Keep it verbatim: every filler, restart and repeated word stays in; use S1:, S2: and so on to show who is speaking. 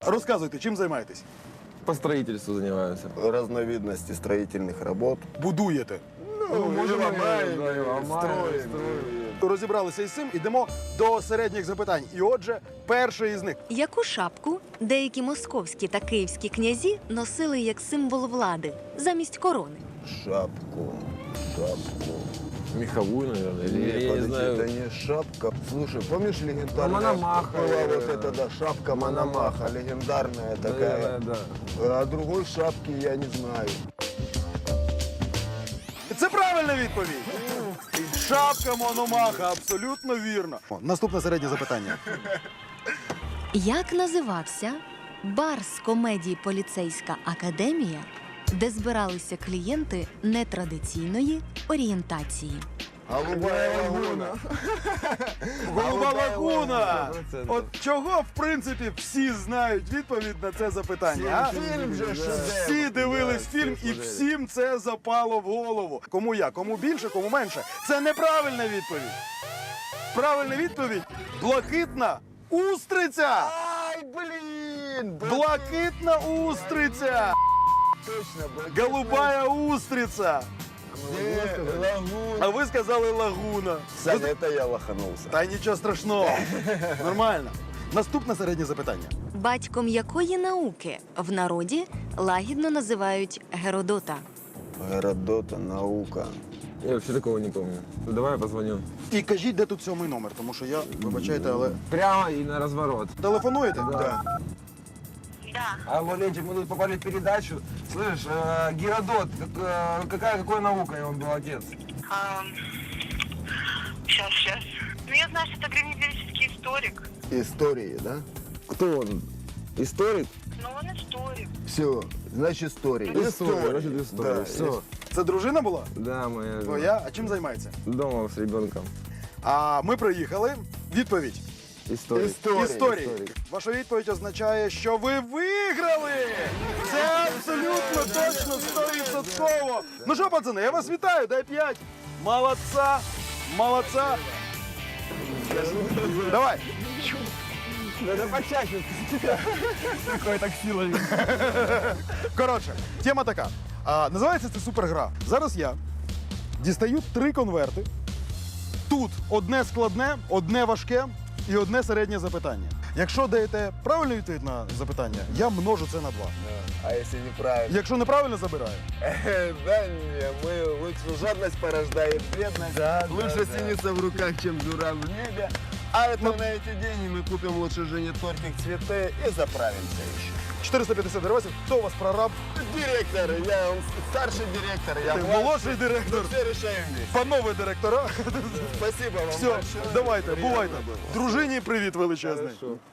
S1: Розказуйте, чим займаєтесь?
S2: По строительству занимаемся.
S3: Разновидности строительных работ.
S1: Будуєте.
S3: Ну,
S2: можем и
S3: ломаем,
S2: да, и
S3: и
S2: ломаем,
S3: строим.
S2: строим.
S1: Розібралися із цим, ідемо до середніх запитань. І отже, перший із них.
S4: Яку шапку деякі московські та київські князі носили як символ влади замість корони?
S3: Шапку, шапку.
S2: Меховую, наверное. Или,
S3: Нет,
S2: я не
S3: подожди,
S2: знаю.
S3: это не шапка. Слушай, помнишь легендарная
S2: Мономаха,
S3: была вот
S2: э,
S3: эта, да, шапка Мономаха, легендарная такая.
S2: Да, да.
S3: А другой шапки я не знаю.
S1: Це правильна відповідь. Шапка Мономаха, абсолютно вірно. О, наступне середнє запитання.
S4: Як називався бар з комедії «Поліцейська академія», де збиралися клієнти нетрадиційної орієнтації?
S3: Голубая лагуна.
S1: Голуба лагуна!
S2: сто процентів.
S1: От чого, в принципі, всі знають відповідь на це запитання, а?
S3: Фильм же шедевр.
S1: Всі дивились фільм і всім це запало в голову. Кому як, кому більше, кому менше. Це неправильна відповідь. Правильна відповідь – блакитна устриця!
S3: Ай, блин!
S1: Блакитна устриця!
S3: Точно, блин.
S1: Голубая устрица!
S3: Э, лагуна.
S1: А ви сказали лагуна.
S3: Саня, это я лоханулся.
S1: Та нічого страшного. Нормально. Наступне середнє запитання.
S4: Батьком якої науки в народі лагідно називають Геродота?
S3: Геродота, наука.
S2: Я вообще такого не помню. Ну, давай я позвоню.
S1: І кажіть, де тут сьомий номер, тому що я, вибачайте, але...
S2: Прямо и на разворот.
S1: Телефонуєте?
S2: Да. Алло, Ленчик, мы тут попали в передачу. Слышишь, э, Геродот, как, э, какая, какой наукой он был отец?
S5: Сейчас, сейчас. Ну, я знаю, что это древнегреческий историк.
S3: Истории, да?
S2: Кто он? Историк?
S5: Но он историк.
S3: Все, значит история.
S2: История, значит, история.
S3: Да,
S2: Все.
S1: Це дружина була?
S2: Да, моя жена.
S1: Твоя? А чим займається?
S2: Дома с ребенком.
S1: А ми приїхали. Відповідь.
S2: Историк.
S3: История.
S1: Історії.
S3: История.
S1: Ваша відповідь означає, що ви виграли! Це абсолютно точно, стовідсотково. Ну що, пацани, я вас вітаю, дай п'ять. Молодца, молодца. Давай.
S2: Надо почаще. Какой так сила.
S1: Коротше, тема така. А, називається це супергра. Зараз я дістаю три конверти. Тут одне складне, одне важке і одне середнє запитання. Якщо даєте правильну відповідь на запитання, я множу це на два.
S3: А если неправильно?
S1: Якщо неправильно, забираю.
S3: Да не, мы лучше жадность порождает бедность.
S1: Да,
S3: лучше
S1: да, да.
S3: синица в руках, чем дура в небе. А это на эти деньги мы купим лучше жене тортик, цветы и заправимся еще.
S1: чотириста п'ятдесят гривень. Хто у вас прораб?
S3: Директор, я он старший директор, я
S1: Ти
S3: младший.
S1: молодший директор.
S3: Все решаем вместе.
S1: Панове директора.
S3: Спасибо вам
S1: Все,
S3: большое.
S1: давайте,
S3: Приятно
S1: бувайте.
S3: было.
S1: Дружині привіт величезний.
S2: Хорошо.